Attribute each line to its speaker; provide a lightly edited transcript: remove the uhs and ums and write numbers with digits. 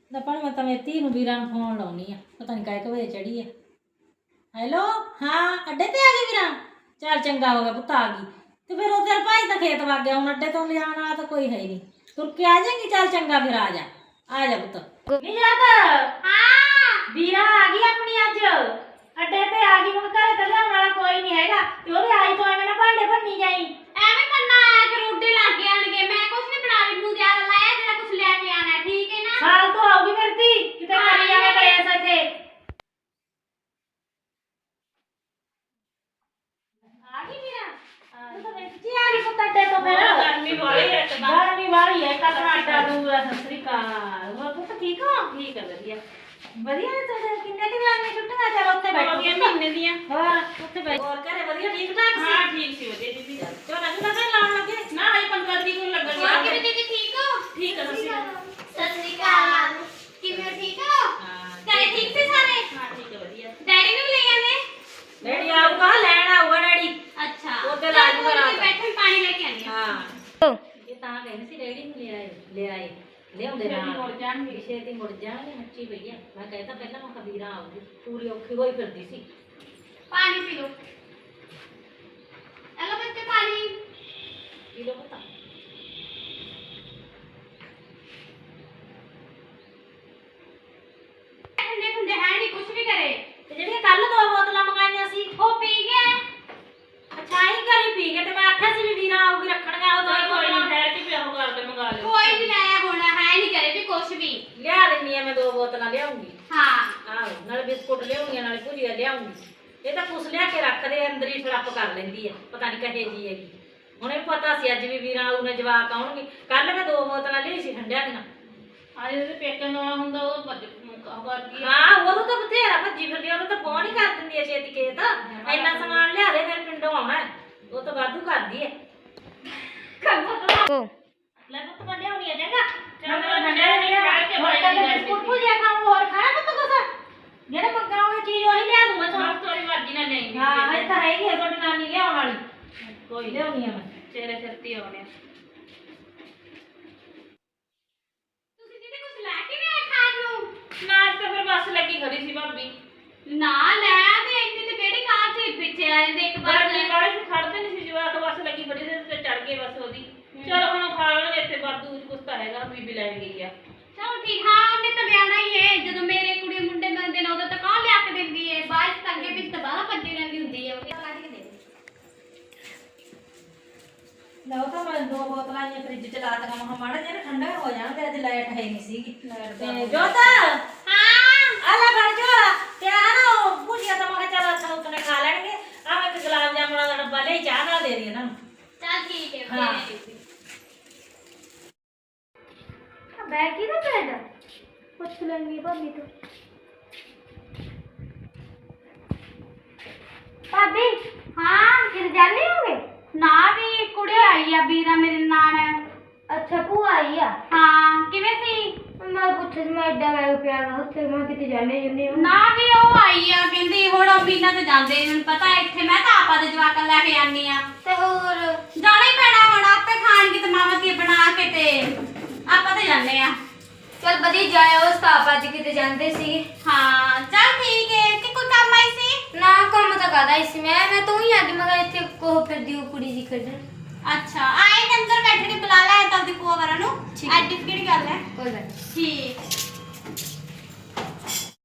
Speaker 1: ना पर मैं मेरी धी नूं वीरां नूं फोन लाउणी आ पता नहीं काहे बजे चढ़ी है। हेलो हाँ अड्डे ते आ गई वीरां चल चंगा हो गया पुत्त आ गई तो फिर उधर भाई तो खेत वग गया हूँ अड्डे तो ले जाने वाला तो कोई है ही नहीं तुर के आ जाएंगी चल चंगा फिर आ जा पुत्त नहीं जाता हाँ वीरां आ गई अपनी अज अड्डे ते आ गई हुण घरे ते लियाउण वाला कोई नहीं हैगा ते ओदे आई तो एवें ना भांडे भन्नी जाई
Speaker 2: ਐਵੇਂ ਕਰਨਾ ਆਇਆ ਕਿ ਰੋਟੀ ਲਾ ਕੇ ਆਣਗੇ ਮੈਂ ਕੁਛ ਨਹੀਂ ਬਣਾ ਰਹੀ ਨੂੰ ਜ਼ਿਆਦਾ ਲਾਇਆ ਜਿਹੜਾ ਕੁਛ ਲੈ ਕੇ ਆਣਾ ਠੀਕ ਹੈ ਨਾ
Speaker 1: साल तो आओगी मेरी धी किते करी जावे कलेस इत्थे आ गई वीरां तू तो वेची आ गई पुत्त अड्डे तो फिर गर्मी वाली है कल आटा दूर सत श्री अकाल हो पुत्त ठीक हो
Speaker 2: ਠੀਕ ਹੈ ਵਧੀਆ
Speaker 1: ਵਧੀਆ ਨੇ ਤੇ किन्ने दिन आने छुट्टियां चल उत्ते बैठ
Speaker 2: ਹੋ ਗਿਆ ਮਹੀਨੇ ਦੀਆਂ
Speaker 1: और उत्ते बैठ और करे ਵਧੀਆ ठीक ठाक सी
Speaker 2: ਹਾਂ ਠੀਕ ਸੀ ਵਧੀਆ ਦੀਦੀ
Speaker 1: तो ना लगे लाउन लगे
Speaker 2: ਨਾ ਹਜੇ 15 ਤਰੀਕ ਨੂੰ ਲੱਗਣ
Speaker 1: ਹਾਂ,
Speaker 2: ਕਿਵੇਂ ਦੀਦੀ ਠੀਕ ਹੋ
Speaker 1: ठीक है सत श्री
Speaker 2: ਸਤਿ ਸ੍ਰੀ ਅਕਾਲ ਕਿਵੇਂ ਠੀਕ ਹੋ ਘਰੇ ਠੀਕ ਸੀ ਸਾਰੇ
Speaker 1: हां ठीक है ਵਧੀਆ
Speaker 2: ਡੈਡੀ ਨੂੰ ਲੈ ਆਨੇ
Speaker 1: डैडी आऊगा लेना आऊगा डैडी
Speaker 2: ਅੱਛਾ
Speaker 1: ਉਹਦੇ ਲਾ ਜੂਗਾ ਰਾਤ।
Speaker 2: ਬੈਠੇ ਪਾਣੀ ਲੈ ਕੇ ਆਨੀ ਆ
Speaker 1: हां ये ता कहने सी डैडी ने ले आए ले आउंदे ना
Speaker 2: ਮੁੜ ਜਾਣਗੇ
Speaker 1: छेती मुड़ जाएंगे मच्छी भैया मैं कहता पहला मैं कबीरा आऊगी पूरी औखी होई फिरदी सी
Speaker 2: पानी पी लो हेलो बच्चे पानी
Speaker 1: पी लो पता
Speaker 2: ठंडे ठंडे है नहीं कुछ भी करे
Speaker 1: ते जेड़ी कल दो बोतलां मंगाईयां सी
Speaker 2: वो पी गए
Speaker 1: अच्छा ही करी पी के ते मैं आख्या सी भी वीरा आऊगी रखणगा ओ दो बोतलां
Speaker 2: ठहर के पिया कर ले मंगा ले कोई भी लाया होना है नहीं करे भी कुछ भी
Speaker 1: लिया देनी है मैं दो बोतलां ले आऊंगी
Speaker 2: हां
Speaker 1: ਆਹੋ ਨਾਲ ਬਿਸਕੁਟ ਲਿਆਉਂਗੀ ਨਾਲ ਭੁਜੀਆ ਲਿਆਉਂਗੀ ਇਹ ਤਾਂ ਕੁਛ ਲਿਆ ਕੇ ਰੱਖਦੇ ਅੰਦਰ ਹੀ ਫੜੱਪ ਕਰ ਲੈਂਦੀ ਹੈ ਪਤਾ ਨਹੀਂ ਕਹੇ ਜੀ ਹੈਗੀ ਹੁਣ ਇਹ ਪਤਾ ਸੀ ਅੱਜ ਵੀ ਵੀਰਾਂ ਆਊ ਨੇ ਜਵਾਕ ਆਉਣਗੇ ਕੱਲ ਮੈਂ ਦੋ ਬੋਤਲਾਂ ਲਈ ਸੀ ਠੰਡਿਆਂ ਦੀਆਂ
Speaker 2: आज जैसे पेकन वाला ਹੁੰਦਾ ਉਹ ਕਰਦੀ
Speaker 1: ਹਾਂ ਉਹ ਤਾਂ ਬਥੇਰਾ ਭੱਜੀ ਫਿਰਦੀ ਉਹਨੂੰ ਤਾਂ ਫੋਨ ਹੀ ਕਰ ਦਿੰਦੀ ਹੈ ਛੇਤੀ ਖੇਤ ਇੰਨਾ ਸਮਾਨ ਲਿਆ ਦੇ ਮੇਰੇ ਪਿੰਡੋਂ ਆਉਣਾ ਉਹ ਤਾਂ ਵਾਧੂ ਕਰਦੀ ਹੈ ਲੈ ਪੁੱਤ ਮੈਂ ਲਿਆਉਣੀ ਆ ਚੰਗਾ
Speaker 2: ਚੰਗਾ ਠੰਡੇ
Speaker 1: ਬਿਸਕੁਟ ਭੁਜੀਆ ਖਾਣ ਹੋਰ ਖਾਣਾ ਪੁੱਤ ਕੁਛ ਜਿਹੜੇ ਮੰਗਾਉਂਗੇ ਚੀਜ਼ ਉਹੀ ਲਿਆ ਦੂੰ ਮੈਂ ਤੁਹਾਨੂੰ
Speaker 2: ਥੋੜੀ ਮਰਜ਼ੀ ਨਾਲ ਲੈਣੀ
Speaker 1: ਹਾਂ ਇਹ ਤਾਂ ਹੈਗੀ ਹੈ ਤੁਹਾਡੀ ਨਾਨੀ ਲਿਆਉਣ ਵਾਲੀ ਕੋਈ ਲਿਆਉਣੀ ਆ ਮੈਂ
Speaker 2: ਤੇਰੇ ਸਿਰ ਤੇ ਆਉਣੇ ਤੁਸੀਂ ਕਿਤੇ ਕੁਝ ਲੈ ਕੇ ਵੀ ਆਏ ਖਾਣ ਨੂੰ ਨਾਚ ਤਾਂ ਫਿਰ ਬੱਸ ਲੱਗੀ ਖੜੀ ਸੀ ਭਾਬੀ ਨਾ ਲੈ ਤੇ ਇੰਨੀ ਤੇ ਕਿਹੜੀ ਕਾਰ ਚ ਪਿੱਛੇ ਆ ਜਾਂਦੇ ਇੱਕ ਵਾਰ ਨਹੀਂ ਕਾਲੇ ਸੀ ਖੜਦੇ ਨਹੀਂ ਸੀ ਜਵਾਕ ਬੱਸ ਲੱਗੀ ਖੜੀ ਸੀ ਤੇ ਚੜ ਗਏ ਬੱਸ ਉਹਦੀ ਚਲੋ ਹੁਣ ਖਾ ਲਾਂਗੇ ਇੱਥੇ ਵਾਧੂ ਕੁਛ ਤਾਂ ਹੈਗਾ ਬੀਬੀ ਲੈ ਗਈ ਆ ਚਲੋ ਠੀਕ ਹਾਂ ਉਹਨੇ ਤਾਂ ਲਿਆਣਾ ਹੀ ਹੈ ਜਦੋਂ ਮੇਰੇ ਕੁੜੀ ਮੁੰਡੇ ਮਿਲਦੇ ਨੇ ਉਦੋਂ ਤਾਂ ਕੌਣ ਲਿਆ ਕੇ ਦਿੰਦੀ ਹੈ ਬਾਅਦ ਚ ਅੱਗੇ ਵਿੱਚ ਤਾਂ ਬਾਹਰ ਭੱਜੀ ਰਹਿੰਦੀ ਹੁੰਦੀ ਹੈ ਉਹ ਕੱਢ ਕੇ ਦੇ
Speaker 1: ਲਓ ਤਾਂ ਮੈਂ ਦੋ ਬੋਤਲਾਂ ਇਹ ਫ੍ਰਿਜ ਚ ਲਾ ਦਵਾਂ ਮਹਾ ਮਾੜਾ ਜਿਹਾ ਠੰਡਾ ਹੋ ਜਾਣਗੇ ਅੱਜ ਲਾਈਟ ਹੈ ਨਹੀਂ ਸੀਗੀ ਤੇ ਜੋਤਾ
Speaker 2: ਹਾਂ
Speaker 1: ਆ ਲੈ ਫੜ ਜੋ ਤੇ ਆ ਨਾ ਭੁਜੀਆ ਤਾਂ ਮੈਂ ਕਿਹਾ ਚੱਲ ਅੱਛਾ ਉਤਨੇ ਖਾ ਲੈਣਗੇ ਆ ਮੈਂ ਇੱਕ ਗੁਲਾਬ ਜਾਮੁਨਾਂ ਦਾ ਡੱਬਾ ਲਈ ਚਾਹ ਨਾਲ ਦੇ ਰਹੀ ਇਹਨਾਂ ਨੂੰ
Speaker 2: ਚੱਲ ਠੀਕ ਹੈ
Speaker 1: ਹਾਂ।
Speaker 2: बैग की ना बैग कुछ लेंगी भाभी तो भाभी हाँ किधर जाने होंगे ना भी कुड़ी आई है बीरा मेरे नान है
Speaker 3: अच्छा भूआ आई आ
Speaker 2: हाँ किवें सी
Speaker 3: मैं पुੱਛਿਆ ਸੀ ਮੈਂ ਐਡਾ ਬੈਗ ਪਿਆ ਵਾ ਉੱਥੇ ਮੈਂ ਕਿਤੇ ਜਾਣੇ ਜੁਨੇ
Speaker 2: ना भी ਉਹ ਆਈ ਆ ਕਹਿੰਦੀ ਹੁਣ ਉਹ ਬੀਨਾ ਤੇ ਜਾਂਦੇ ਮੈਨੂੰ ਪਤਾ ਇੱਥੇ ਮੈਂ ਤਾਂ ਆਪਾ ਦੇ ਜਵਾਕਾਂ ਲੈ ਕੇ ਆਨੀ ਆ
Speaker 3: ਤੇ ਹੋਰ
Speaker 2: ਜਾਣਾ ਹੀ ਪੈਣਾ ਹੁਣ ਆਪੇ ਖਾਣਗੇ ਤੇ ਮਾਮਾ ਕੀ ਬਣਾ ਕੇ ਤੇ ਆਪਾਂ ਤੇ ਜਾਂਦੇ ਆ
Speaker 3: ਚਲ ਵਧੀਆ ਜਾਇਓ ਸਤਾਪ ਅੱਜ ਕਿਤੇ ਜਾਂਦੇ ਸੀ
Speaker 2: ਹਾਂ ਚੱਲ ਠੀਕ ਹੈ ਕਿ ਕੋਈ ਕੰਮ ਆਈ ਸੀ
Speaker 3: ਨਾ ਕੰਮ ਤਾਂ ਕਰਦਾ ਇਸ ਮੈਂ ਤੂੰ ਹੀ ਆ ਗਈ ਮੈਂ ਕਿਹਾ ਇੱਥੇ ਕੋਹ ਫਿਰਦੀ ਉਹ ਕੁੜੀ ਜੀ ਖੇਡਣ
Speaker 2: ਅੱਛਾ ਆਏ ਨੇ ਅੰਦਰ ਬੈਠੇ ਨੇ ਬੁਲਾ ਲੈ ਤਾਂ ਉਹਦੀ ਭੂਆ ਵਰਾਂ ਨੂੰ
Speaker 3: ਠੀਕ ਹੈ।
Speaker 2: ਐਡੀ ਕਿਹੜੀ ਗੱਲ ਹੈ
Speaker 3: ਕੋਈ ਗੱਲ ਨੀ।
Speaker 2: ਠੀਕ